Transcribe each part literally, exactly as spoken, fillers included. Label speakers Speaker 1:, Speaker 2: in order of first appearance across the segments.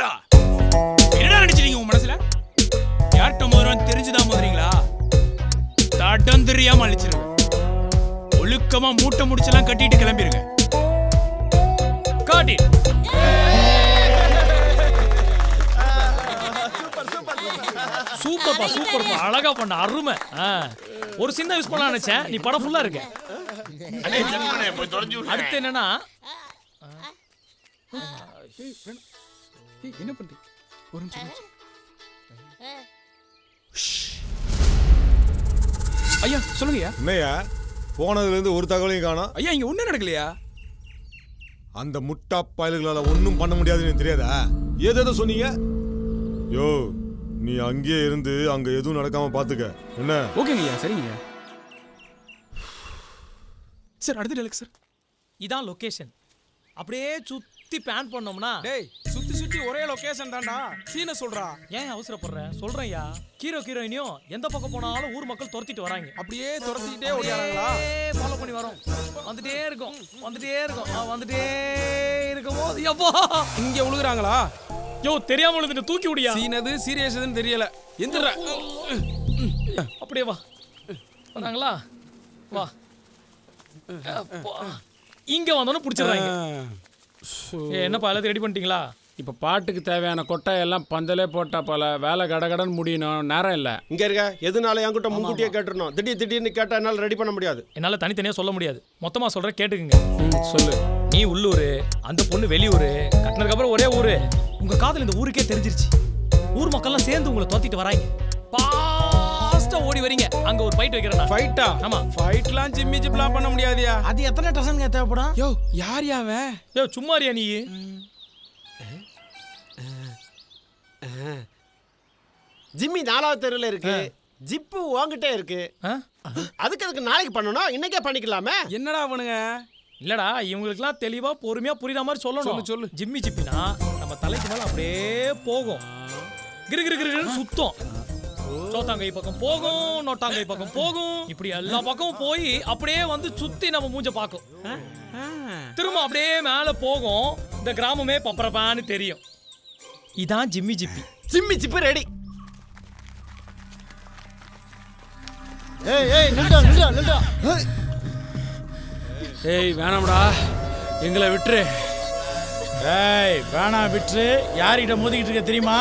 Speaker 1: நிறுத்துங்கடா. என்னடா நினைச்சிட்டீங்க உங்க மனசுல? யார்கிட்ட மோதுறான்னு தெரிஞ்சுதான் மோதுறீங்களா? தடம் தெரியாம அழிச்சிருங்க. ஒழுக்கமா மூட்டை முடிச்செல்லாம் கட்டிட்டு கிளம்பிருங்க. காட்டி
Speaker 2: சூப்பர்ப்பா சூப்பர்ப்பா, அழகா பண்ண, அருமை. ஒரு சின்ன யூஸ் பண்ணலாம் நினைச்சேன், நீ படம் ஃபுல்லா இருக்க. அடுத்து என்னன்னா
Speaker 1: என்ன பண்றீங்க? ஒரு நிமிஷம். ஐயா சொல்லுங்கய்யா.
Speaker 3: என்னையா போனதுல இருந்து ஒரு தகவலையும் காணோம்.
Speaker 1: ஐயா இங்க ஒண்ணும் நடக்கலையா?
Speaker 3: அந்த முட்டா பயல்களால ஒன்றும் பண்ண முடியாதுன்னு தெரியாதா? ஏதேதோ சொன்னீங்க. யோ நீ அங்கேயே இருந்து அங்க எதுவும் நடக்காம பாத்துக்க. என்ன?
Speaker 1: ஓகேங்கய்யா, சரிங்கய்யா. சார் அடுத்த டெலக்ஸ் சார்.
Speaker 2: இதான் லொகேஷன். அப்படியே சுத்தி பிளான் பண்ணோம்னா,
Speaker 1: டேய் சுத்தி சுத்தி ஒரே லொகேஷன் தான்டா. சீனை சொல்றா.
Speaker 2: ஏன் அவசரப்படுற? சொல்றேன்யா. ஹீரோ ஹீரோயினியும் எந்த பக்கம் போனாலும் ஊர் மக்கள் துரத்திட்டு வராங்க.
Speaker 1: அப்படியே துரத்திக்கிட்டே ஓடியாராங்களா?
Speaker 2: ஃபாலோ பண்ணி வரோம். வந்துட்டே இருக்கும் வந்துட்டே இருக்கும் ஆ, வந்துட்டே இருக்கும் போது எப்போ
Speaker 1: இங்க உழுகுறாங்களா?
Speaker 2: யோ தெரியாம விழுந்துட்டு தூக்கி விடியா.
Speaker 1: சீனது சீரியஸ்னு தெரியல. எந்திர.
Speaker 2: அப்படியே வா. வராங்களா? வா. அப்பா. இங்க வந்தோன்னு பிடிச்சிடுறாங்க. என்னப்பா எல்லாத்தையும் ரெடி பண்ணிட்டீங்களா?
Speaker 4: இப்போ பாட்டுக்கு தேவையான கொட்டை எல்லாம் பந்தலே போட்டா போல, வேலை கடகடன்னு முடியணும், நேரம் இல்லை.
Speaker 5: இங்கே இருக்க எதுனால என்கிட்ட முன்கூட்டியே கேட்டுருணும். திடீர் திடீர்னு கேட்டால் என்னால் ரெடி பண்ண முடியாது.
Speaker 2: என்னால் தனித்தனியாக சொல்ல முடியாது. மொத்தமாக சொல்கிறேன், கேட்டுக்குங்க.
Speaker 4: ம் சொல்லு.
Speaker 2: நீ உள்ளூர், அந்த பொண்ணு வெளியூர், கட்டினதுக்கப்புறம் ஒரே ஊர். உங்கள் காதல் இந்த ஊருக்கே தெரிஞ்சிருச்சு. ஊர் மக்கள்லாம் சேர்ந்து உங்களை துரத்திட்டு வராங்க. பாஸ்ட்டாக ஓடி வரீங்க. அங்கே ஒரு ஃபைட் வைக்கிறேன்.
Speaker 1: ஃபைட்டா?
Speaker 2: ஆமா.
Speaker 1: ஃபைட்லாம் ஜிம்மி ஜிப்லாம் பண்ண முடியாதியா.
Speaker 6: அது எத்தனை டசன்ங்க தேவைப்படும்?
Speaker 1: யோ யார் யாவன்?
Speaker 2: யோ சும்மாரியா நீ?
Speaker 5: ஜிம்மி நாலாவது தெருவில் இருக்கு. ஜிப்பு உங்ககிட்டே இருக்கு. அதுக்கு அதுக்கு நாளைக்கு பண்ணணும், இன்னைக்கே பண்ணிக்கலாமே.
Speaker 1: என்னடா அவனுங்க?
Speaker 2: இல்லடா, இவங்களுக்குலாம் தெளிவா பொறுமையா புரியுற மாதிரி சொல்லணும்.
Speaker 1: சொல்லு சொல்லு.
Speaker 2: ஜிம்மி ஜிப்பினா நம்ம தலைக்கு மேல அப்படியே போகும். கிரு கிரு கிருன்னு சுத்தம். சோத்தாங்கை பக்கம் போகும், நோட்டாங்கை பக்கம் போகும். இப்படி எல்லா பக்கமும் போய் அப்படியே வந்து சுத்தி நம்ம மூஞ்ச பார்க்கும். திரும்ப அப்படியே மேல போகும். இந்த கிராமமே பப்பரப்பான்னு தெரியும். இதான் ஜிம்மி ஜிப்பி.
Speaker 5: ஜிம்மி ஜிப்பு ரெடி.
Speaker 6: ஏய் ஏய் நில்டா நில்டா நில்டா.
Speaker 4: ஏய் வேணாம்டா, எங்களை விட்டுரு.
Speaker 6: ஏய் வேணாம் விட்டுரு. யார்கிட்ட மோதிக்கிட்டு இருக்க தெரியுமா?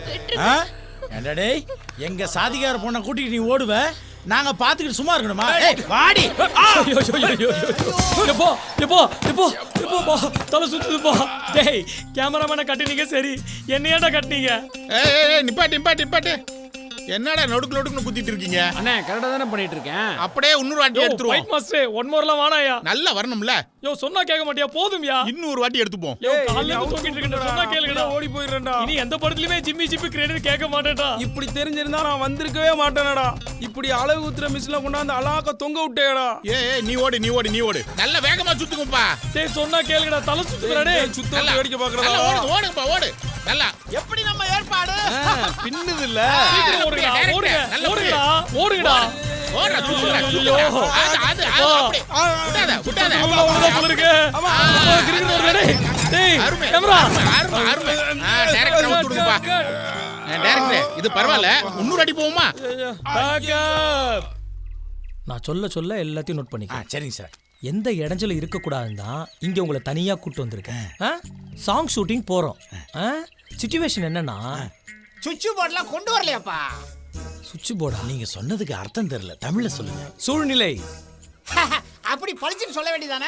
Speaker 6: ஏண்டா டேய், எங்க சாதிகார பொண்ணை கூட்டிட்டு நீ ஓடுவ, நாங்க பாத்துக்கிட்டு சும்மா இருக்கணுமா? ஏய் வாடி.
Speaker 2: ஐயோ ஐயோ ஐயோ எப்போ எப்போ எப்போ எப்போ தலை சுத்துது போ. டேய் கேமராமேனை கட்டினீங்க சரி, என்னையாடா கட்டினீங்க?
Speaker 7: ஏய் ஏய் நிப்பாட்டு நிப்பாட்டு நிப்பாட்டு. என்னடா நொடுக்கு நொடுக்குன்னு குத்திட்டு இருக்கீங்க?
Speaker 4: அண்ணே கரெக்டாக தானே பண்ணிட்டு இருக்கேன்.
Speaker 7: அப்படியே இன்னொரு வாட்டி எடுத்துருவோம்.
Speaker 2: ஃபைட் மாஸ்டர் ஒன் மோர்லாம் வானாயா?
Speaker 7: நல்லா வரணும்ல.
Speaker 2: யோ சொன்னா கேட்க மாட்டியா? போதும்யா.
Speaker 7: இன்னொரு வாட்டி எடுத்துப்போம்.
Speaker 2: யோ கால்ல இருந்து தூக்கிட்டு இருக்கேன்டா, சொன்னா கேளுங்கடா.
Speaker 1: ஓடி போயிடுறேன்டா.
Speaker 2: இனி எந்த படத்துலயுமே ஜிம்மி ஜிப்பி கிரெடிட் கேட்க மாட்டேன்டா.
Speaker 1: இப்படி தெரிஞ்சிருந்தா நான் வந்திருக்கவே மாட்டேனடா. இப்படி அளவு ஊத்துற மிஷின்ல கொண்டாந்து அலாக்க தொங்க விட்டேடா.
Speaker 7: ஏய் ஏய் நீ ஓடு நீ ஓடு நீ ஓடு. நல்ல வேகமா சுத்துங்கப்பா.
Speaker 2: டேய் சொன்னா கேளுங்கடா, தலை சுத்துறடா டேய்.
Speaker 1: சுத்த வேடிக்கை பாக்குறடா.
Speaker 7: நல்லா ஓடு ஓடுங்கப்பா ஓடு. நல்லா.
Speaker 5: எப்படி நம்ம ஏற்பாடு?
Speaker 1: பின்னுது இல்ல.
Speaker 2: சீக்கிரம் ஓடுங்கடா, ஓடுங்க ஓடுங்கடா ஓடுங்கடா.
Speaker 7: ஓடுடா சுத்துடா சுத்துடா. அது அது அது அப்படி. விடாத விடாத.
Speaker 2: அவ்வளவு அவ்வளவு போல இருக்கு. கிரிக்கெட் ஓடுடா டேய். டேய் கேமரா.
Speaker 7: அருமை அருமை. ஆ டைரக்டர் விட்டுடுங்கப்பா. டைரக்டர் இது பரவாயில்ல. இன்னொரு அடி போவோமா?
Speaker 2: பேக்கப். நான் சொல்ல சொல்ல எல்லாத்தையும் நோட் பண்ணிக்க.
Speaker 6: சரிங்க சார்.
Speaker 2: எந்த இடைஞ்சலும் இருக்கக்கூடாதுன்னு தான் இங்கே உங்களை தனியாக கூப்பிட்டு வந்திருக்கேன். சாங் ஷூட்டிங் போகிறோம். சிச்சுவேஷன் என்னன்னா,
Speaker 5: சுவிட்ச் போர்ட்லாம் கொண்டு வரலையாப்பா?
Speaker 2: சுவிட்ச் போர்டா?
Speaker 6: நீங்க சொன்னதுக்கு அர்த்தம் தெரியல, தமிழ்ல சொல்லுங்க.
Speaker 2: சூழ்நிலை.
Speaker 5: அப்படி பளிச்சுன்னு சொல்ல வேண்டியதானே?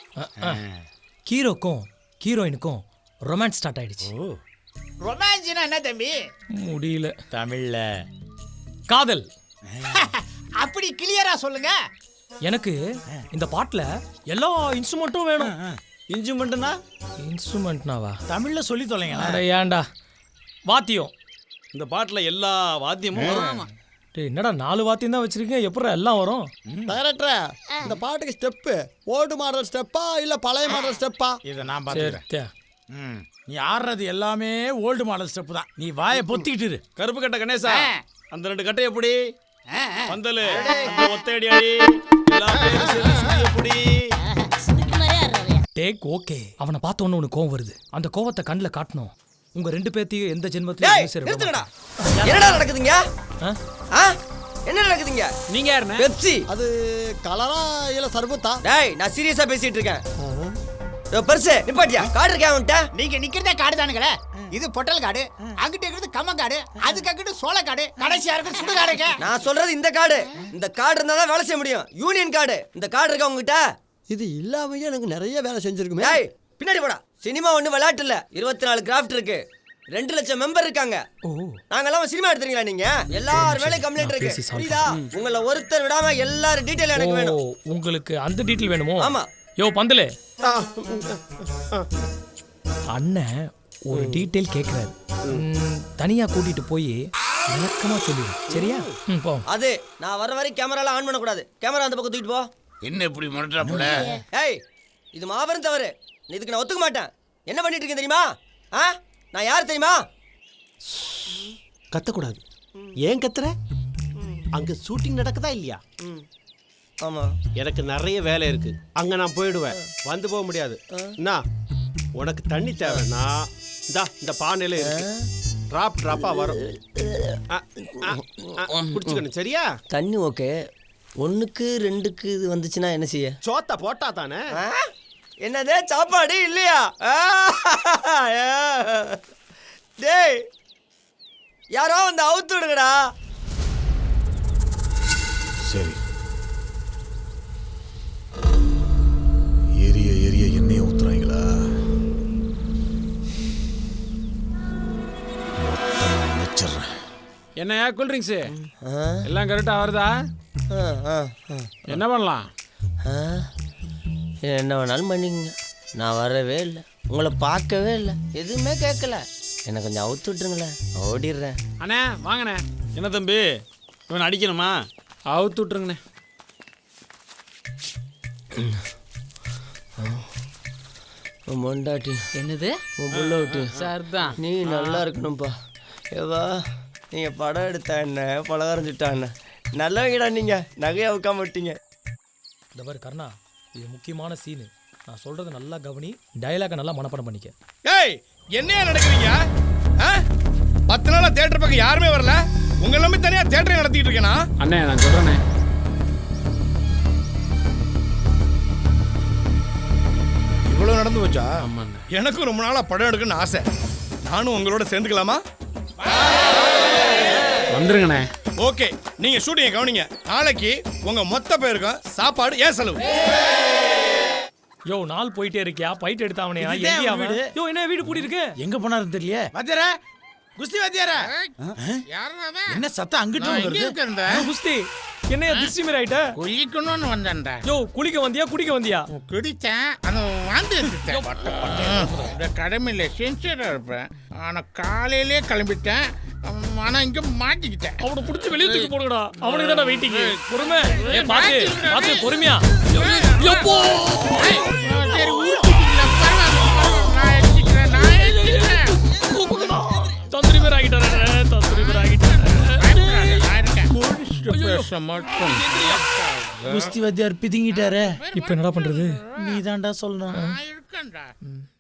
Speaker 2: ஹீரோக்கும் ஹீரோயினுக்கும் ரொமான்ஸ் ஸ்டார்ட் ஆயிடுச்சு.
Speaker 5: ரொமான்ஸ்னா என்ன தம்பி?
Speaker 2: முடியல.
Speaker 6: தமிழ்ல
Speaker 2: காதல்.
Speaker 5: அப்படி கிளியரா சொல்லுங்க.
Speaker 2: எனக்கு இந்த பாட்டுல எல்லா இன்ஸ்ட்ருமெண்ட்டும் வேணும்.
Speaker 6: இன்ஸ்ட்ருமெண்ட்னா?
Speaker 2: இன்ஸ்ட்ருமெண்ட்னாவா?
Speaker 6: தமிழ்ல சொல்லி தொலைங்க.
Speaker 2: அட ஏன்டா, வாத்தியம்.
Speaker 4: இந்த பாட்டில் எல்லா வாத்தியமும் வரும்.
Speaker 2: டேய் என்னடா நாலு வாத்தியம் தான் வச்சிருக்கீங்க, எப்படி எல்லாம் வரும்?
Speaker 8: டைரக்டர், இந்த பாட்டுக்கு ஸ்டெப்பு ஓல்டு மாடல் ஸ்டெப்பா இல்ல பழைய மாடல் ஸ்டெப்பா?
Speaker 6: இதை நான்
Speaker 2: சரி
Speaker 6: பார்த்துக்கிறேன். ம், நீ ஆடுறது எல்லாமே ஓல்டு மாடல் ஸ்டெப் தான். நீ வாயை பொத்திக்கிட்டு இரு.
Speaker 4: கருப்பு கட்டை கணேசா, அந்த ரெண்டு கட்டை எப்படி? பந்தலு அந்த ஒத்தையடி அடி எல்லா பேரும் சேர்ந்து சுத்தி எப்படி?
Speaker 2: Take okay. அவனை பார்த்த உடனே உனக்கு கோவம் வருது. அந்த கோவத்தை கண்ணில் காட்டணும். உங்க ரெண்டு பேர்த்தையும் எந்த
Speaker 8: டேய்
Speaker 2: ஜென்மத்திலும் சரி
Speaker 8: நிறுத்துங்கடா என்னடா நடக்குதுங்க ஆ என்ன நடக்குதுங்க
Speaker 4: நீங்க யாருண்ணே
Speaker 8: பெப்சி
Speaker 5: அது கலரா இல்ல சர்பத்தா?
Speaker 8: டேய் நான் சீரியஸா பேசிட்டு இருக்கேன் ஏய் பெருசு நிப்பாட்டியா கார்டு இருக்கா உன்கிட்ட?
Speaker 9: நீங்க நிக்கிறதே காடு தானுங்களே. இது பொட்டல் காடு, அங்கிட்டு இருக்கிறது கம்ம காடு, அதுக்கு அங்கிட்டு சோள காடு, கடைசியா இருக்கிறது சுடு காடுங்க.
Speaker 8: நான் சொல்றது இந்த கார்டு. இந்த கார்டு இருந்தா தான் வேலை செய்ய முடியும். Union card. இந்த கார்டு இருக்கா உங்ககிட்ட?
Speaker 5: இது இல்லாமயே எனக்கு நிறைய வேலை செஞ்சிருக்குமே.
Speaker 8: டேய் பின்னாடி போடா. சினிமா ஒண்ணு விளையாட்டு இல்ல. இருபத்தி நாலு கிராஃப்ட் இருக்கு. ரெண்டு லட்சம் மெம்பர் இருக்காங்க. நாங்கெல்லாம் சினிமா எடுத்துறீங்களா நீங்க? எல்லார் வேலையும் கம்ப்ளைண்ட் இருக்கு. புரியுதா? உங்கள ஒருத்தர் விடாம எல்லாரும் டீடைல் எனக்கு வேணும்.
Speaker 2: உங்களுக்கு அந்த டீடைல் வேணுமோ?
Speaker 8: ஆமா.
Speaker 2: யோ பந்தலே, அண்ணன் ஒரு டீடைல் கேக்குறாரு. ம், தனியா கூட்டிட்டு போய் விளக்கமா சொல்லிடு. சரியா? ம், போ.
Speaker 8: அது நான் வர வரை கேமரால ஆன் பண்ண கூடாது. கேமரா அந்த பக்கம் தூக்கிட்டு போ.
Speaker 7: என்ன இப்படி மிரட்டுறாப்புல?
Speaker 8: ஏய் இது மாபெரும் தவறு. இதுக்கு நான் ஒத்துக்க மாட்டேன். என்ன பண்ணிட்டு இருக்கேன் தெரியுமா? ஆ நான் யார் தெரியுமா?
Speaker 5: கத்தக்கூடாது. ஏன் கத்துற? அங்க ஷூட்டிங் நடக்குதா இல்லையா?
Speaker 8: ஆமா.
Speaker 5: எனக்கு நிறைய வேலை இருக்கு. அங்க நான் போயிடுவேன். வந்து போக முடியாது. என்ன உனக்கு தண்ணி தேவைன்னா இந்தா இந்த பானையில இருக்கு. டிராப் டிராப்பா வரும். ஆ, ஆ, ஆ, குடிச்சுக்கணும். சரியா?
Speaker 8: தண்ணி ஓகே. ஒண்ணுக்கு ரெண்டுக்கு இது வந்துச்சுன்னா என்ன செய்ய?
Speaker 5: சோத்த போட்டா தானே.
Speaker 8: என்னதே சாப்பாடு இல்லையா? டேய் யாரோ வந்து அவுத்து விடுங்கடா.
Speaker 3: சரி எரிய எரிய எண்ணெயை ஊத்துறாங்களா? மொத்தமா நினைச்சிடுறேன்.
Speaker 4: என்னையா கூல் ட்ரிங்க்ஸ் எல்லாம் கரெக்டா வருதா? என்ன பண்ணலாம்?
Speaker 8: என்ன வேணாலும் பண்ணிக்கங்க. நான் வரவே இல்லை, உங்களை பார்க்கவே இல்லை, எதுவுமே கேட்கல. என்னை கொஞ்சம் அவுத்து விட்டுருங்களேன், ஓடிடுறேன்.
Speaker 4: அண்ணே வாங்கண்ணே. என்ன தம்பி இவன் அடிக்கணுமா? அவுத்து விட்டுருங்கண்ணே.
Speaker 8: மொண்டாட்டி
Speaker 9: என்னது?
Speaker 8: உன் புள்ள விட்டு
Speaker 9: சார் தான்.
Speaker 8: நீ நல்லா இருக்கணும்ப்பா. ஏவா நீங்கள் படம் எடுத்தா என்ன, பலகாரம் சுட்டா என்ன, நல்லவங்கடா நீங்கள். நகையை வைக்காம விட்டீங்க.
Speaker 2: இந்த பாரு கர்ணா, இது முக்கியமான சீனு. நான் சொல்றதை நல்லா கவனி, டயலாக நல்லா மனப்பாடம் பண்ணிக்க.
Speaker 7: ஏய் என்னையா நடக்குறீங்க? ஆ? பத்து நாளா தியேட்டர் பக்கம் யாருமே வரல. உங்க எல்லாமே தனியா தியேட்டரை நடத்திட்டு இருக்கேனா?
Speaker 4: அண்ணே நான் சொல்றேனே.
Speaker 7: இவ்வளவு நடந்து போச்சா?
Speaker 4: ஆமாண்ணே.
Speaker 7: எனக்கும் ரொம்ப நாளா படம் எடுக்கணும்னு ஆசை. நானும் உங்களோட சேர்ந்துக்கலாமா?
Speaker 4: வந்துருங்கண்ணே.
Speaker 7: ஓகே, நீங்க ஷூட்டிங்க கவனிங்க. நாளைக்கு உங்க மொத்த பேருக்கும் சாப்பாடு ஏன் செலவு.
Speaker 2: யோ நாள் போயிட்டே இருக்கியா? பைட் எடுத்தாவனே
Speaker 6: இதுதான்
Speaker 2: எங்கேயா அவன்?
Speaker 6: வீடு.
Speaker 2: யோ என்ன வீடு பூட்டி இருக்கு?
Speaker 6: எங்க போனாருன்னு தெரியல. வாத்தியாரே, குஸ்தி வாத்தியாரே,
Speaker 7: யாரா
Speaker 6: என்ன சத்தம் அங்கிட்டு வருது?
Speaker 2: யோ, குஸ்தி என்னையா திருஷ்டி மாதிரி ஆயிட்ட?
Speaker 7: குளிக்கணும்னு வந்தேன்டா.
Speaker 2: யோ குளிக்க வந்தியா குடிக்க வந்தியா?
Speaker 7: குடித்தேன், அது வாந்தி எடுத்துட்டேன். இந்த கடமையில சின்சியரா இருப்பேன். ஆனா காலையிலே கிளம்பிட்டேன். ஆனா இங்க மாட்டிக்கிட்டேன்.
Speaker 2: அவனை புடிச்சு வெளிய தூக்கி போடுங்கடா. அவனுக்கு தான வெயிட்டிங். பொறுமை. ஏ பாத்து பாத்து பொறுமையா. யப்போ.
Speaker 7: சரி ஊருக்குள்ள பரவாயில்லை, நான் எடுத்துக்கிறேன், நான் எடுத்துக்கிறேன்.
Speaker 2: தந்திரி பேர் ஆகிட்டாரே, தந்திரி பேர் ஆகிட்டாரே.
Speaker 7: நான் இருக்கேன். குடிச்சிட்டு பேச மாட்டோம்.
Speaker 6: குஸ்தி வாத்தியார் பிதுங்கிட்டாரே.
Speaker 2: இப்போ என்னடா பண்றது?
Speaker 6: நீ தான்டா சொல்லணும்.
Speaker 7: நான் இருக்கேன்டா.